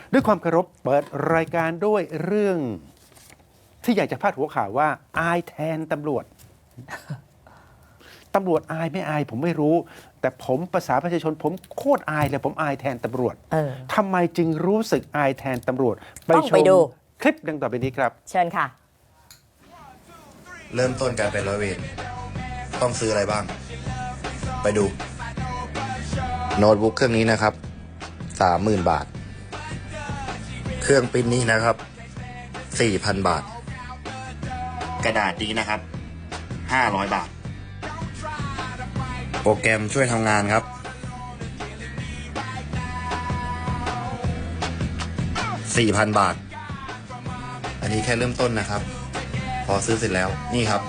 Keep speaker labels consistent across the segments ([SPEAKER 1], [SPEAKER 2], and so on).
[SPEAKER 1] ด้วยความเคารพเปิดรายการด้วยเรื่องที่อยากจะพาดหัวข่าวว่าอายแทนตำรวจ ตำรวจอายไม่อายผมไม่รู้ แต่ผมภาษาประชาชนผมโคตรอายเลยผมอายแทนตำรวจทำไมจึงรู้สึกอายแทนตำรวจ
[SPEAKER 2] ต้องไปดู
[SPEAKER 1] คลิปดังต่อไปนี้ครับ
[SPEAKER 2] เชิญค่ะ
[SPEAKER 3] เริ่มต้นการเป็นร้อยเวรต้องซื้ออะไรบ้าง ไปดู โน้ตบุ๊กเครื่องนี้นะครับ 30,000 บาท เครื่องปริ้นนี้นะครับ 4,000 บาท กระดาษนี้นะครับ 500 บาท โปรแกรมช่วยทำงานครับ 4,000 บาท อันนี้แค่เริ่มต้นนะครับ พอซื้อเสร็จแล้วนี่ครับ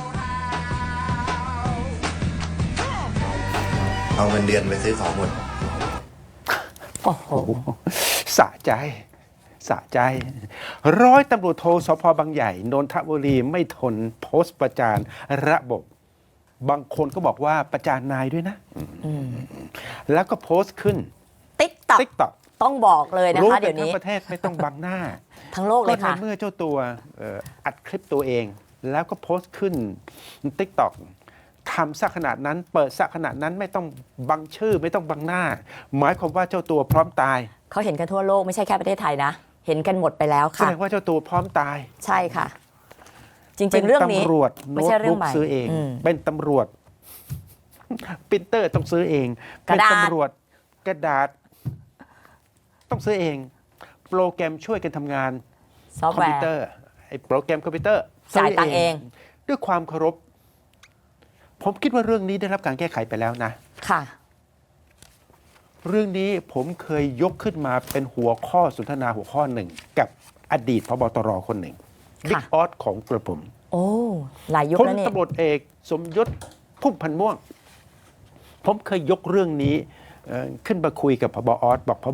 [SPEAKER 3] เอาเงินเดือนไปซื้อของหมด
[SPEAKER 2] โอ้โห
[SPEAKER 1] สะใจสะใจร้อยตำรวจโทสพบางใหญ่นนทบุรีไม่ทนโพสต์ประจานระบบ บางคนก็บอกว่าประจานนายด้วยนะแล้วก็โพสต์ขึ้น
[SPEAKER 2] TikTok ต้องบอกเลยนะ
[SPEAKER 1] รู้
[SPEAKER 2] คะ
[SPEAKER 1] กั
[SPEAKER 2] เดี๋ยว
[SPEAKER 1] ทั้
[SPEAKER 2] นี้
[SPEAKER 1] งประเทศไม่ต้องบังหน้า
[SPEAKER 2] ทั้งโลกเล
[SPEAKER 1] ก็
[SPEAKER 2] ย
[SPEAKER 1] ใน
[SPEAKER 2] ค่ะ
[SPEAKER 1] เมื่อเจ้าตัวอัดคลิปตัวเอง แล้วก็โพสต์ขึ้น TikTok ทำซะขนาดนั้น เปิดซะขนาดนั้นไม่ต้องบังชื่อไม่ต้องบังหน้า หมายความว่าเจ้าตัวพร้อมตาย
[SPEAKER 2] เขาเห็นกันทั่วโลกไม่ใช่แค่ประเทศไทยนะ เห็นกันหมดไปแล้ว
[SPEAKER 1] แส
[SPEAKER 2] ค่ะ
[SPEAKER 1] ดงว่าเจ้าตัวพร้อมตาย
[SPEAKER 2] ใช่ค่ะ จริงๆ เรื่องนี้
[SPEAKER 1] เป็นตำรวจ
[SPEAKER 2] ไม่
[SPEAKER 1] โน้ต
[SPEAKER 2] ใช่เรื่อ
[SPEAKER 1] บุ๊
[SPEAKER 2] ง
[SPEAKER 1] ก
[SPEAKER 2] ใหม่
[SPEAKER 1] ซื้อเอง เป็นตำรวจปรินเตอร์ต้องซื้อเอง
[SPEAKER 2] ก
[SPEAKER 1] เป็
[SPEAKER 2] ระ
[SPEAKER 1] น
[SPEAKER 2] ดาษ
[SPEAKER 1] ตำรวจกระดาษ ต้องซื้อเอง โปรแกรมช่วยกันทำงาน
[SPEAKER 2] ซอฟ
[SPEAKER 1] ค
[SPEAKER 2] ต์
[SPEAKER 1] อม
[SPEAKER 2] แว
[SPEAKER 1] พิว
[SPEAKER 2] ร์
[SPEAKER 1] เตอร์ไอ้โปรแกรมคอมพิวเตอร์
[SPEAKER 2] จ่ายตังค์เอง
[SPEAKER 1] ด้วยความเคารพ ผมคิดว่าเรื่องนี้ได้รับการแก้ไขไปแล้วนะ
[SPEAKER 2] ค่ะ
[SPEAKER 1] เรื่องนี้ผมเคยยกขึ้นมาเป็นหัวข้อสนทนาหัวข้อหนึ่ง กับอดีตพบตรคนหนึ่งบิ๊กออสของกระผม
[SPEAKER 2] โอ้หลายยุค
[SPEAKER 1] พล
[SPEAKER 2] แล้วนี่
[SPEAKER 1] ตำรวจเอกสมยศพุ่มพันธ์ม่วง ผมเคยยกเรื่องนี้ขึ้นมาคุยกับพบออสบอกพบ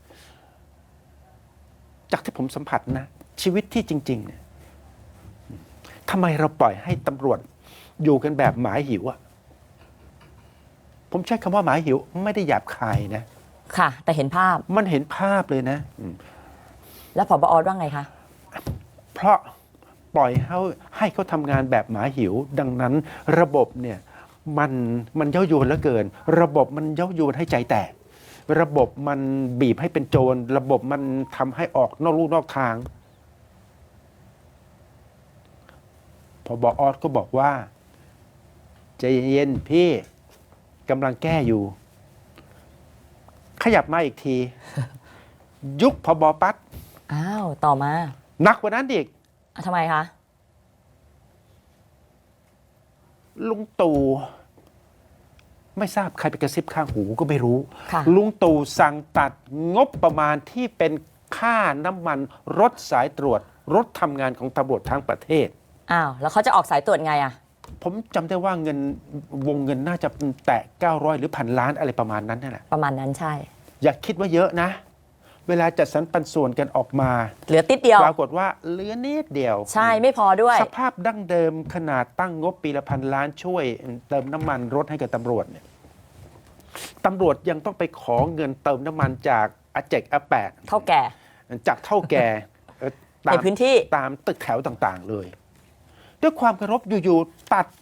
[SPEAKER 1] จากที่ผมสัมผัสนะ ชีวิตที่จริงๆเนี่ยทำไมเราปล่อยให้ตำรวจอยู่กันแบบหมาหิวอะผมใช้คำว่าหมาหิวไม่ได้หยาบคายนะ
[SPEAKER 2] ค่ะ แต่เห็นภาพ
[SPEAKER 1] มันเห็นภาพเลยนะ
[SPEAKER 2] แล้วผบ.อว่าไงคะ
[SPEAKER 1] เพราะปล่อยให้เขาทำงานแบบหมาหิว ดังนั้นระบบเนี่ยมันเย้ายวนเหลือเกิน ระบบมันเย้ายวนให้ใจแตก ระบบมันบีบให้เป็นโจร ระบบมันทำให้ออกนอกลู่นอกทางพบออสก็บอกว่าใจเย็นพี่กำลังแก้อยู่ ขยับมาอีกที ยุคพบปั๊ด
[SPEAKER 2] อ้าว ต่อมา
[SPEAKER 1] หนักกว่านั้นอีก
[SPEAKER 2] ทำไมคะ
[SPEAKER 1] ลุงตู่ไม่ทราบใครไปกระซิบข้างหูก็ไม่รู้
[SPEAKER 2] ค่ะ
[SPEAKER 1] ลุงตู่สั่งตัดงบประมาณที่เป็นค่าน้ำมันรถสายตรวจ รถทำงานของตำรวจทั้งประเทศ
[SPEAKER 2] อ้าว แล้วเขาจะออกสายตรวจไงอะ
[SPEAKER 1] ผมจำได้ว่าเงินวงเงินน่าจะแตะ900 หรือพันล้านอะไรประมาณนั้นนั่นแหละ
[SPEAKER 2] ประมาณนั้นใช่
[SPEAKER 1] อย่าคิดว่าเยอะนะ เวลาจัดสรรปันส่วนกันออกมา
[SPEAKER 2] เหลือติดเดียว
[SPEAKER 1] ปรากฏว่าเหลือนิดเดียว
[SPEAKER 2] ใช่ไม่พอด้วย
[SPEAKER 1] สภาพดั้งเดิมขนาดตั้งงบปีละพันล้านช่วยเติมน้ำมันรถให้กับตำรวจเนี่ยตำรวจยังต้องไปขอเงินเติมน้ำมันจากอาเจกอาแปด
[SPEAKER 2] เท่าแก่
[SPEAKER 1] จากเท่าแก่ตาม
[SPEAKER 2] ในพื้นที่
[SPEAKER 1] ตามตึกแถวต่างๆเลย ด้วยความเคารพอยู่ๆตัด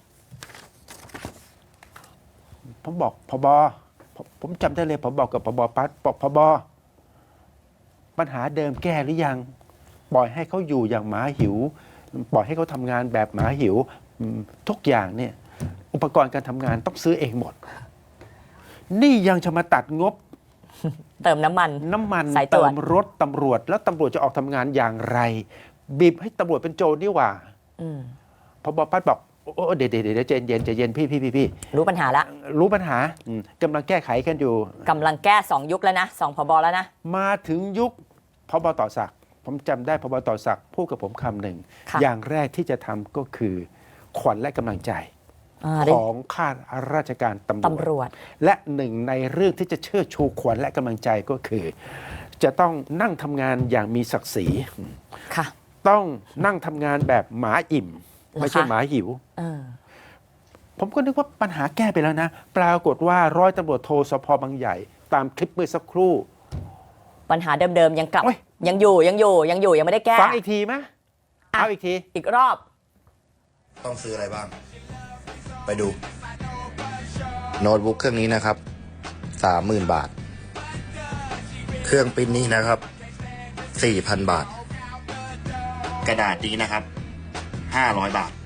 [SPEAKER 1] ผมบอกพบผมจำได้เลยผมบอกกับพบปั๊ดบอกพบปัญหาเดิมแก้หรือยัง ปล่อยให้เขาอยู่อย่างหมาหิว ปล่อยให้เขาทำงานแบบหมาหิวทุกอย่างเนี่ย อุปกรณ์การทำงานต้องซื้อเองหมด นี่ยังจะมาตัดงบ
[SPEAKER 2] เติมน้ำมัน
[SPEAKER 1] น้ำมัน
[SPEAKER 2] สายตร
[SPEAKER 1] เติ
[SPEAKER 2] วจ
[SPEAKER 1] มรถตำรวจ แล้วตำรวจจะออกทำงานอย่างไร บีบให้ตำรวจเป็นโจรนี่หว่า
[SPEAKER 2] อืม
[SPEAKER 1] พบปั๊ดบอกโอ้เดี๋ยวใจเย็นพี่
[SPEAKER 2] รู้ปัญหาละ
[SPEAKER 1] รู้ปัญหากำลังแก้ไขกันอยู่
[SPEAKER 2] กำลังแก้2 ยุคแล้วนะ2ผบ.แล้วนะ
[SPEAKER 1] มาถึงยุคพบต่อศักดิ์ผมจำได้พบต่อศักดิ์พูดกับผมคำหนึ่ง
[SPEAKER 2] ค่ะ
[SPEAKER 1] อย่างแรกที่จะทำก็คือ ขวัญและกำลังใจ
[SPEAKER 2] ได้
[SPEAKER 1] ของข้าราชการตำรวจ
[SPEAKER 2] ตำรวจ
[SPEAKER 1] และหนึ่งในเรื่องที่จะเชิดชูขวัญและกำลังใจก็คือ จะต้องนั่งทำงานอย่างมีศักดิ์ศรี
[SPEAKER 2] ค่ะ
[SPEAKER 1] ต้องนั่งทำงานแบบหมาอิ่ม ไม่ใช่
[SPEAKER 2] เหรอคะ
[SPEAKER 1] หมาหิว
[SPEAKER 2] เออ
[SPEAKER 1] ผมก็นึกว่าปัญหาแก้ไปแล้วนะ ปรากฏว่าร้อยตำรวจโทสพบางใหญ่ ตามคลิปเมื่อสักครู่
[SPEAKER 2] ปัญหาเดิมๆยังกลับ
[SPEAKER 1] โอ๊ย
[SPEAKER 2] ยังอยู่ยังไม่ได้แก้
[SPEAKER 1] ฟังอีกทีไหม
[SPEAKER 2] อ่ะ
[SPEAKER 1] เอาอีกที
[SPEAKER 2] อีกรอบ
[SPEAKER 3] ต้องซื้ออะไรบ้าง ไปดู โน้ตบุ๊กเครื่องนี้นะครับ 30,000 บาท เครื่องปริ้นนี้นะครับ 4,000 บาท กระดาษนี้นะครับ 500 บาท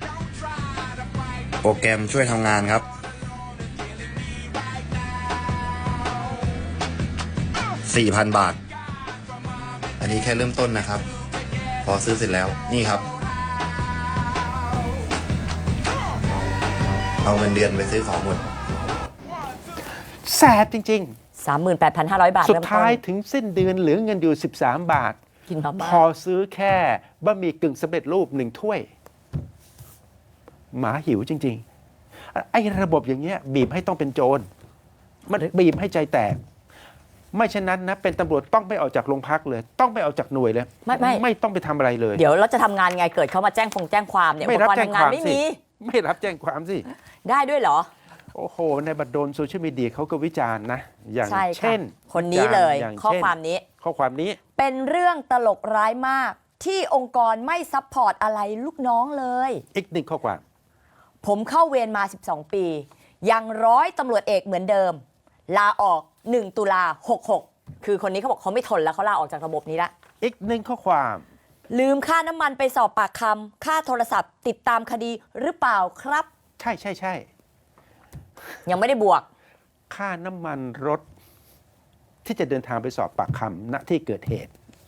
[SPEAKER 3] โปรแกรมช่วยทำงานครับ 4,000 บาท อันนี้แค่เริ่มต้นนะครับ พอซื้อเสร็จแล้ว นี่ครับ เอาเงินเดือนไปซื้อของหมด
[SPEAKER 1] แสบจริง
[SPEAKER 2] 38,500 บาท
[SPEAKER 1] ๆ สุด
[SPEAKER 2] เริ่มต้น
[SPEAKER 1] ท้ายถึงสิ้นเดือนเหลือเงินอยู่ 13 บาท
[SPEAKER 2] กินมา
[SPEAKER 1] พ
[SPEAKER 2] บ้า
[SPEAKER 1] อซื้อแค่บะหมี่กึ่งสำเร็จรูป1 ถ้วย หมาหิวจริงๆ ไอ้ระบบอย่างเงี้ยบีบให้ต้องเป็นโจร มันบีบให้ใจแตก ไม่เช่นนั้นนะเป็นตำรวจต้องไม่ออกจากโรงพักเลย ต้องไม่ออกจากหน่วยเลย ไม่ต้องไปทำอะไรเลย
[SPEAKER 2] เดี๋ยวเราจะทำงานไงเกิดเขามาแจ้งความเนี่ย
[SPEAKER 1] ไม่รับ
[SPEAKER 2] อุปก
[SPEAKER 1] แจ้
[SPEAKER 2] ณ์
[SPEAKER 1] ง
[SPEAKER 2] ทำ
[SPEAKER 1] ความ
[SPEAKER 2] ไม่
[SPEAKER 1] สิ
[SPEAKER 2] มี
[SPEAKER 1] ไม่รับแจ้งความสิ
[SPEAKER 2] ได้ด้วยเหรอ
[SPEAKER 1] โอ้โห ในบัดดลโซเชียลมีเดียเขาก็วิจารณ์นะ อย่าง
[SPEAKER 2] ใช่ค่ะ
[SPEAKER 1] เช่น
[SPEAKER 2] คนนี้เลย
[SPEAKER 1] อย่าง
[SPEAKER 2] ข้อ
[SPEAKER 1] เช่น
[SPEAKER 2] ความนี้
[SPEAKER 1] ข้อความนี้
[SPEAKER 2] เป็นเรื่องตลกร้ายมาก ที่องค์กรไม่ซัพพอร์ตอะไรลูกน้องเลย
[SPEAKER 1] อีกหนึ่งข้อความ
[SPEAKER 2] ผมเข้าเวรมา 12 ปี ยังร้อยตำรวจเอกเหมือนเดิม ลาออก 1 ตุลา 66 คือคนนี้เขาบอกเขาไม่ทนแล้วเขาลาออกจากระบบนี้ละ
[SPEAKER 1] อีกหนึ่งข้อความ
[SPEAKER 2] ลืมค่าน้ำมันไปสอบปากคำค่าโทรศัพท์ติดตามคดีหรือเปล่าครับ
[SPEAKER 1] ใช่ใช่ใช่
[SPEAKER 2] ยังไม่ได้บวก
[SPEAKER 1] ค่าน้ำมันรถ ที่จะเดินทางไปสอบปากคำณที่เกิดเหตุ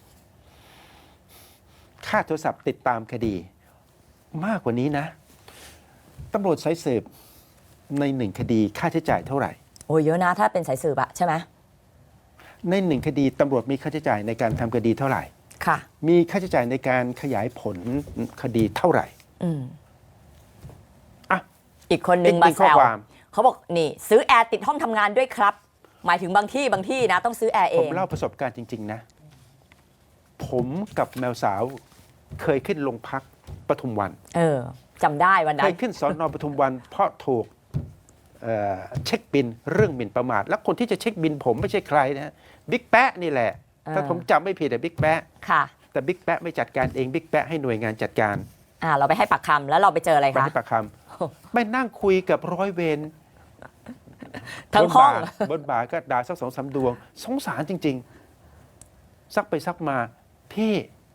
[SPEAKER 1] ค่าโทรศัพท์ติดตามคดี มากกว่านี้นะตำรวจสายสืบในหนึ่งคดีค่าใช้จ่ายเท่าไหร่
[SPEAKER 2] โอ้ยเยอะนะถ้าเป็นสายสืบอะใช่ไหม
[SPEAKER 1] ในหนึ่งคดีตำรวจมีค่าใช้จ่ายในการทำคดีเท่าไหร่
[SPEAKER 2] ค่ะ
[SPEAKER 1] มีค่าใช้จ่ายในการขยายผลคดีเท่าไหร่
[SPEAKER 2] อืม
[SPEAKER 1] อ่ะ
[SPEAKER 2] อีกคนนึง
[SPEAKER 1] อีกห
[SPEAKER 2] มา
[SPEAKER 1] นึ่ง
[SPEAKER 2] แซ
[SPEAKER 1] ข้อ
[SPEAKER 2] ว
[SPEAKER 1] ความ
[SPEAKER 2] เขาบอกนี่ซื้อแอร์ติดห้องทำงานด้วยครับ หมายถึงบางที่นะต้องซื้อแอร์เอ
[SPEAKER 1] ผม
[SPEAKER 2] ง
[SPEAKER 1] เล่าประสบการณ์จริง ๆ นะ ผมกับแมวสาวเคยขึ้นโรงพักปทุมวัน
[SPEAKER 2] จำได้วัน
[SPEAKER 1] เค
[SPEAKER 2] นั้น
[SPEAKER 1] ยขึ้นสอนอปทุมวัน เพราะถูกเช็คบินเรื่องหมิ่นประมาท และคนที่จะเช็คบินผมไม่ใช่ใครนะบิ๊กแปะนี่แหละ ถ้าผมจำไม่ผิดอะบิ๊กแปะ
[SPEAKER 2] ค่ะ
[SPEAKER 1] แต่บิ๊กแปะไม่จัดการเองบิ๊กแปะให้หน่วยงานจัดการ
[SPEAKER 2] เราไปให้ปากคำแล้วเราไปเจออะไร
[SPEAKER 1] ไป
[SPEAKER 2] คะ
[SPEAKER 1] ให้ปากคำไม่นั่งคุยกับร้อยเวร
[SPEAKER 2] ทั้งห้อง
[SPEAKER 1] บนบ่าก็ด่าสัก2-3 ดวง สงสารจริง ๆ ซักไปซักมาพี่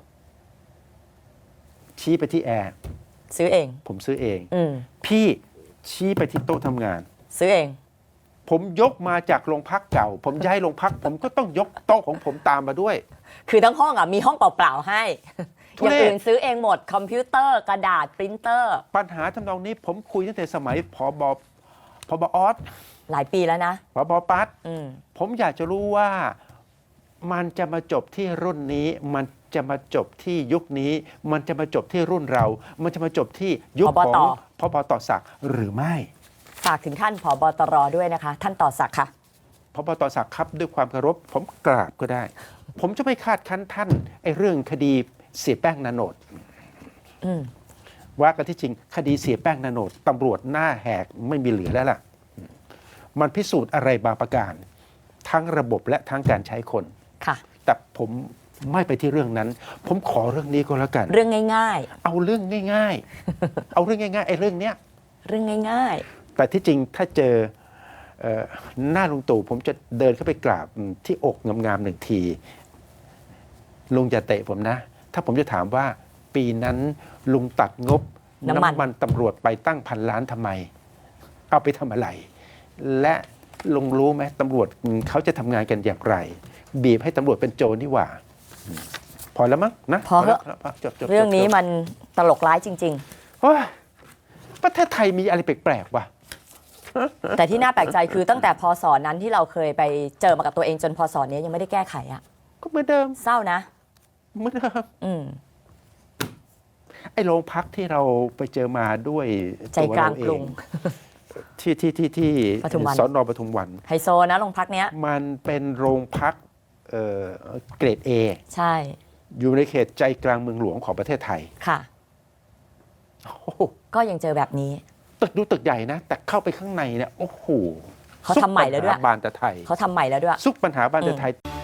[SPEAKER 1] ชี้ไปที่แอร์
[SPEAKER 2] ซื้อเอง
[SPEAKER 1] ผมซื้อเอง
[SPEAKER 2] อืม
[SPEAKER 1] พี่ชี้ไปที่โต๊ะทำงาน
[SPEAKER 2] ซื้อเอง
[SPEAKER 1] ผมยกมาจากโรงพักเก่า ผมย้ายโรงพัก ผมก็ต้องยกโต๊ะของผมตามมาด้วย
[SPEAKER 2] คือทั้งห้องมีห้องเปล่าๆให้
[SPEAKER 1] ทุ
[SPEAKER 2] อ
[SPEAKER 1] เรศ
[SPEAKER 2] ย่างอื่นซื้อเองหมด คอมพิวเตอร์กระดาษปรินเตอร์
[SPEAKER 1] ปัญหาทำนองนี้ผมคุยตั้งแต่สมัยพบออส
[SPEAKER 2] หลายปีแล้วนะ
[SPEAKER 1] พบปัด
[SPEAKER 2] อืม
[SPEAKER 1] ผมอยากจะรู้ว่ามันจะมาจบที่รุ่นนี้ มันจะมาจบที่ยุคนี้ มันจะมาจบที่รุ่นเรา มันจะมาจบที่ยุค
[SPEAKER 2] ผบ
[SPEAKER 1] ของ
[SPEAKER 2] ต
[SPEAKER 1] พบตศักดิ์หรือไม่
[SPEAKER 2] ฝากถึงท่านผบตรด้วยนะคะ ท่านต่อศักดิ์ค่ะ
[SPEAKER 1] พบตศักดิ์ครับด้วยความเคารพผมกราบก็ได้ ผมจะไม่คาดคั้นท่านไอ้เรื่องคดีเสียแป้งนาโนด
[SPEAKER 2] อืม
[SPEAKER 1] ว่ากันที่จริงคดีเสียแป้งนาโนดตำรวจหน้าแหกไม่มีเหลือแล้วล่ะ มันพิสูจน์อะไรบางประการ ทั้งระบบและทั้งการใช้คน
[SPEAKER 2] ค่ะ
[SPEAKER 1] แต่ผมไม่ไปที่เรื่องนั้น ผมขอเรื่องนี้ก็แล้วกัน
[SPEAKER 2] เรื่องง่าย
[SPEAKER 1] เอาเรื่องง่ายๆ เอาเรื่องง่ายๆไอ้เรื่องเนี้ย
[SPEAKER 2] ๆ เรื่องง่าย
[SPEAKER 1] แต่ที่จริงถ้าเจอหน้าลุงตู่ผมจะเดินเข้าไปกราบที่อกงามๆ1 ทีลุงอย่าเตะผมนะ ถ้าผมจะถามว่าปีนั้นลุงตัดงบ
[SPEAKER 2] น้ำมัน
[SPEAKER 1] ตำรวจไปตั้ง1,000 ล้านทำไม เอาไปทำอะไร และลุงรู้ไหมตำรวจเขาจะทำงานกันอย่างไร บีบให้ตำรวจเป็นโจรนี่หว่า พอแล้วมั้งนะ
[SPEAKER 2] พอเถอะ
[SPEAKER 1] แล้วจบ
[SPEAKER 2] ๆ เรื่องนี้มันตลกร้ายจริง
[SPEAKER 1] โอ้ยประเทศไทยมีอะไรแปลกๆวะ
[SPEAKER 2] ๆ แต่ที่น่าแปลกใจคือตั้งแต่พศนั้นที่เราเคยไปเจอมากับตัวเองจนพศนี้ยังไม่ได้แก้ไขอะ
[SPEAKER 1] ก็เหมือนเดิม
[SPEAKER 2] เศร้านะ
[SPEAKER 1] เหมือนเดิม
[SPEAKER 2] อืม
[SPEAKER 1] ไอ้โรงพักที่เราไปเจอมาด้วย
[SPEAKER 2] ใจกลางกรุง
[SPEAKER 1] ที่
[SPEAKER 2] ปทุมวัน
[SPEAKER 1] สอนอปทุมวัน
[SPEAKER 2] ไฮโซนะโรงพักเนี้ย
[SPEAKER 1] มันเป็นโรงพักเกรด A
[SPEAKER 2] ใช่
[SPEAKER 1] อยู่ในเขตใจกลางเมืองหลวงของประเทศไทย
[SPEAKER 2] ค่ะ
[SPEAKER 1] โอ้โห
[SPEAKER 2] ก็ยังเจอแบบนี้
[SPEAKER 1] ตึกดูตึกใหญ่นะ แต่เข้าไปข้างในเนี่ยโอ้โห
[SPEAKER 2] เขาทำใหม่แล้วด้วย
[SPEAKER 1] ซุกปัญหาบานตะไทย
[SPEAKER 2] เขาทำใหม่แล้วด้วย
[SPEAKER 1] ซุกปัญหาบานตะไทย